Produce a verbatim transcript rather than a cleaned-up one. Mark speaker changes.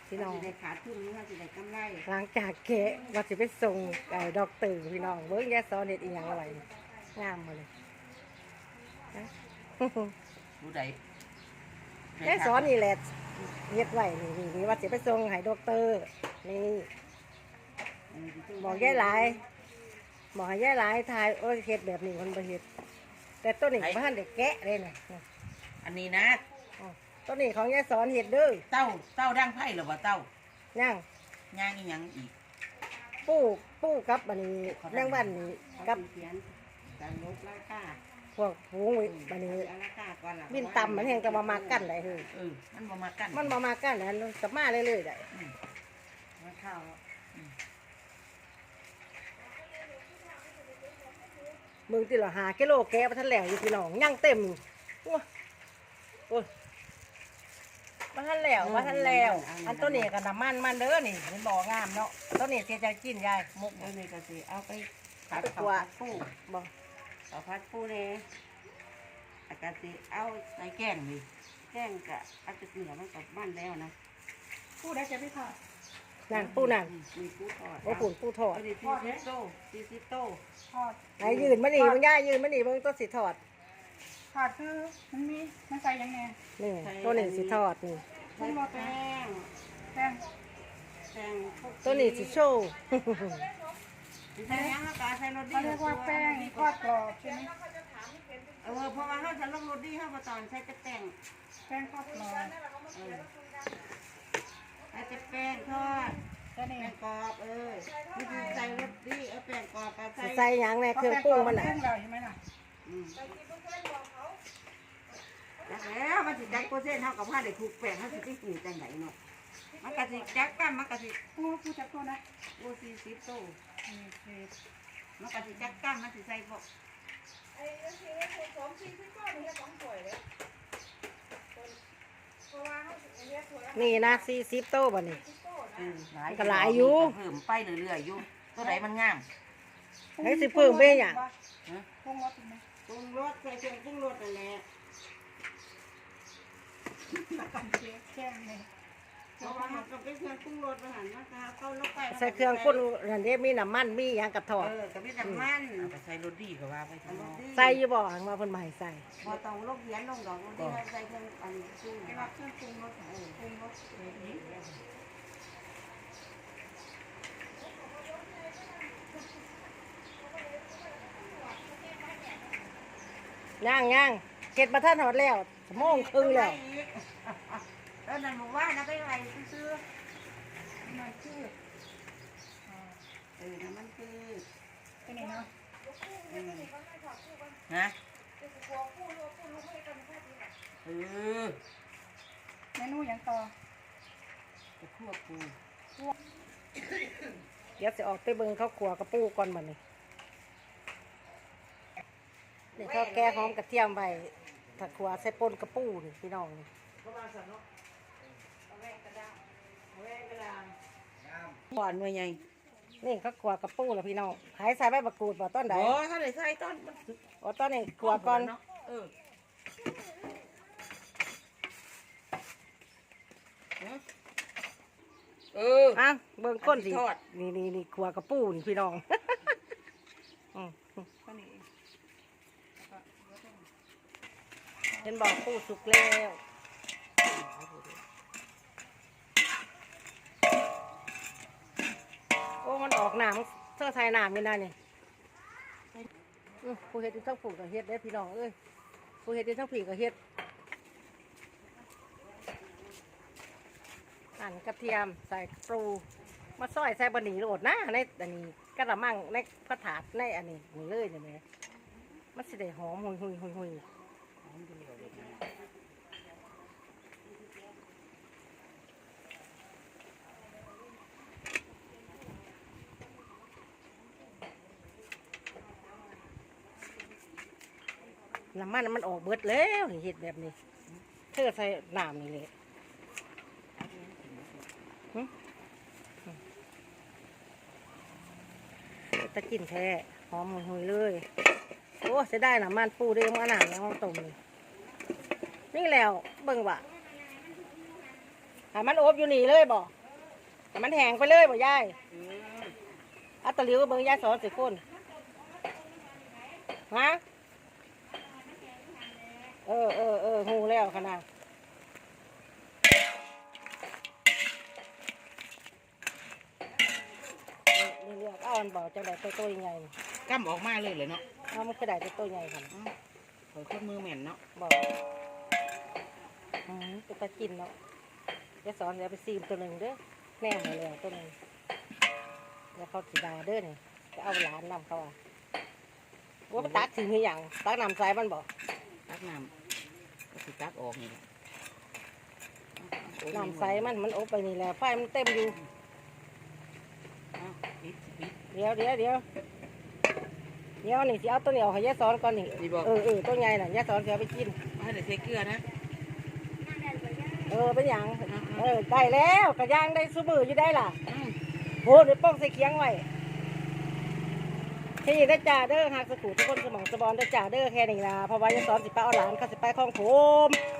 Speaker 1: พี่น้อง
Speaker 2: สิได้ขาดทุนหรือว่าสิได้กำไร
Speaker 1: หลังจากแกะว่าสิไปส่งไอ้ดอกตื่นพี่น้องเบิ้งแย่ซอเน็ตอีหยังอะไรงามมาเลยนะ
Speaker 2: ผู้ใด
Speaker 1: แย่ซอนี่แหละเฮ็ดไว้นี่นี่นี่ว่าสิไปส่งให้ดอกเตอร์นี่บอกแย่หลายบอกให้แย่หลายทายโอ้ยเฮ็ดแบบนี้มันบ่เฮ็ดแต่ต้นนี้บ้านเด็กแกะเลยนะ
Speaker 2: อันนี้นะ
Speaker 1: ต้นนี้ของแย่ซอนเฮ็ดเด้อ
Speaker 2: เต้าเต้าดังไผ่หรือว่าเต้า
Speaker 1: ย่าง
Speaker 2: ย่างอีหยังอีก
Speaker 1: ปูปูกับอันนี้แมงวันนี่กับ
Speaker 2: เขียนการลบราคา
Speaker 1: พวกฝูงอันนี้
Speaker 2: เอาราคาก่อนล่ะ
Speaker 1: บินต่ำมันแห้งจะมามากันได้เฮ้ย
Speaker 2: เออมันบ่มากัน
Speaker 1: มันมามากันแล้วกลับมาเรื่อยๆได้
Speaker 2: มาเข้า
Speaker 1: มึงติละหากิโลแกะไปทันแล้วอยู่พี่น้องยังเต็มโอ้โอ้ยมาทันแล้วมาทันแล้วอันต้นนี้กับน้ำมันมันเด้อนี่มันบ่องามเนาะต้นนี้เสียใจกินยายมุก
Speaker 2: เออนี่ก็สิเอาไปผัด
Speaker 1: ไปก
Speaker 2: ข้าว
Speaker 1: วา
Speaker 2: ผั
Speaker 1: ด
Speaker 2: ดปู
Speaker 1: บ่
Speaker 2: ข้าวผัดปูเนี่ยอากาศสิเอาใส่แกงนี่แกงกะอาจจะเหนือมันกับบ้านแล้วนะ
Speaker 3: พูดได้จะไม่ทอด
Speaker 1: นั่นปูนั่น
Speaker 2: มีปูทอด
Speaker 1: โอ้ปุ่นปูทอด
Speaker 2: อันนี้สี่สิบโตสี่สิบโต
Speaker 3: ทอด
Speaker 1: ไหนยืนมานี่มึงย่ายืนมานี่มึงต้นสิทอด
Speaker 3: ทอดคือมันมีมันใส่ยังไง
Speaker 1: นี่ต้นนี้สิทอดนี่
Speaker 2: ใส่แป้ง
Speaker 3: แป้ง
Speaker 2: แป้งพวก
Speaker 1: ต้นนี้สิโชว์
Speaker 2: สิใส่ยังอากาศใส่รสดี
Speaker 3: เขาเรียกว่าแป้งทอดกรอบใช่ไหม
Speaker 2: เออเพราะว่าเขาจะลงรสดีเขามาตอนใส่แต่แป้ง
Speaker 3: แป้งทอดกรอบ
Speaker 2: เออใส่แต่แป้งทอด
Speaker 3: แค่นี้
Speaker 2: แป้งกรอบเออนี่คือใส่รสดีเอาแป้งกรอบกับใส่
Speaker 1: ใส่หยังในเครื่องปรุงมันน่ะ
Speaker 3: เครื่องเราใช่ไหมล่ะ
Speaker 2: อืมแล้วมันสิจักเปอร์เซ็นต์เท่ากับผ้าเด็กถูกแป้งเขาสิไปปลูกจังไหนเนาะมันกะสิจักกันมันกะสิ
Speaker 3: พูดพูดจับตัวนะ
Speaker 2: โอ้สี่สิบโต
Speaker 3: นี่คือ
Speaker 2: มันกะสิจักกันมันสิใส่พวก
Speaker 1: นี่นะสี่สิบโต๊ะบ่นี่
Speaker 2: เออหลาย
Speaker 1: ก็หลายอยู่
Speaker 2: เพิ่มไปเรื่อยๆอยู่ตัวไหนมันงาม
Speaker 1: ให้สิเพิ่มไปหยัง
Speaker 2: ฮะ
Speaker 3: ปรุงรสถูกไหม
Speaker 2: ปรุงรสใส่เครื่องปรุงรสนั่นแหละ
Speaker 3: กันเจ๊แจ้งเลย
Speaker 2: เพราะว่ามันก็เป็นเครื่องปรุงรสอาหารนะคะเข้าลงไป
Speaker 1: ใส่เครื่องปรุงนั่นเด้มีน้ำมันมีหยังกระทอด
Speaker 2: เออก็มีน้ำมันเอาไปใส่รสดีก็ว่าไปทางนอก
Speaker 1: ใส่อยู่บ่หังว่าเพิ่นมาให้ใส่
Speaker 2: พอต้องลงเขียนลงดอกรสดีให้ใส่เครื่องอันปรุง
Speaker 3: เรียกว่าเครื่องปรุงรสเออปรุงรสเออนี้
Speaker 1: ย่างย่างเก็ดมาท่านหอดแล้วชั่วโมงครึ่งแล้ว
Speaker 2: เออนั่นบอกว่านะไปไหนซื้อ
Speaker 3: มันคือ
Speaker 2: เออนั่นมันคือ
Speaker 3: เป็นไงเนาะ
Speaker 2: นะเออ
Speaker 3: เมนูอย่างต่อ
Speaker 2: จะคั่วปู
Speaker 1: เดี๋ยวสิออกไปเบิ่งข้าวขัวกระปูก่อนบัดนี้นี่ข้าวแกงหอมกระเทียมไว้ถ้าขัวใส่ป่นกระปูนี่พี่น้องนี่
Speaker 2: ก่อนหน่วยใหญ่
Speaker 1: นี่ข้าวขัวกระปูแล้วพี่น้องหายใส่ใบมะกรูดบ่ต้นใด
Speaker 2: โอ้ถ้าได้ใส่ต้นมัน
Speaker 1: อ๋อต้นนี้ขัวก่อน
Speaker 2: เนาะเออเออ
Speaker 1: อ่ะเบิ่งก้นสิ
Speaker 2: ทอด
Speaker 1: นี่นี่นี่ขัวกระปูนี่พี่น้อง อืม
Speaker 3: ก็นี่
Speaker 1: เห็นบอกปูสุกแล้วโอ้มันออกน้ำเสื้อไทยน้ำนี่ได้นี่อื้อผู้เฮ็ดที่ทั้งผูกกับเฮ็ดได้อพี่น้องเอ้ยผู้เฮ็ดที่ทั้งผีกับเฮ็ดหั่นกระเทียมใส่ปรูมาซอยใส่บะหมี่โรดนะในอันนี้กระมังในกระถาดในอันนี้นี่เลยเนี่ยแหมมันสิได้หอมหุยหุยหุยหุยน้ำมันมันออกเบิดแล้วนี่เห็ดแบบนี้เธอใส่น้ำนี่เลยหึตะกินแท้หอมหุยๆเลยโอ้จะได้น้ำมันปูเด้งมาหนาแล้วต้มเลยนี่แล้วเบิ่งว่ะหามันอบอยู่นี่เลยบ่แต่มันแห้งไปเลยบ่ยาย
Speaker 2: เออ
Speaker 1: อัตตะลิวเบิ่งยายสอนสิคนฮะเออเออเออหูแล้วขนาดนี่เรียกเอาอันบอกจังไดตัวตัวใหญ่นี่
Speaker 2: กำออกมาเลยเลยเนาะ
Speaker 1: เอามันก็ได้ตัวตัวใหญ่ค่ะ
Speaker 2: ข่อยคนมือแม่นเนาะ
Speaker 1: บอกอืมตัวตะกินเนาะยายสอนเดี๋ยวไปซีมตัวหนึ่งเด้อแน่มาแล้วตัวหนึ่งแล้วเขาสีดาเด้อนี่จะเอาหลานนำเขาอ่ะว่ามันตักถึงหรือยังตักนำใส่มันบอก
Speaker 2: ตักน้ำก็สิตักออกนี่แหละ
Speaker 1: น้ำใสมันมันอบไปนี่แหละไฟมันเต็มอยู่
Speaker 2: เอาปิดปิด
Speaker 1: เดี๋ยวเดี๋ยวเดี๋ยวเดี๋ยวนี่สิเอาตัวเหนียวให้ยายสอนก่อนนี่
Speaker 2: นี่บอก
Speaker 1: เออเออตัวใหญ่น่ะยายสอนจะเอาไปกิน
Speaker 2: มาให้ได้ใส่เกลือนะ
Speaker 1: เออเป็นหยังเออได้แล้วกระย่างได้ซุมืออยู่ได้ล่ะ
Speaker 2: อืม
Speaker 1: โหเดี๋ยวป้องใส่เคียงไว้ที่ได้จ่าเด้อหากสกูทุกคนสมองสบอนได้จ่าเด้อแค่นี้ล่ะเพราะว่ายายสอนสิไปเอาหลานเขาสิไปคลองโถม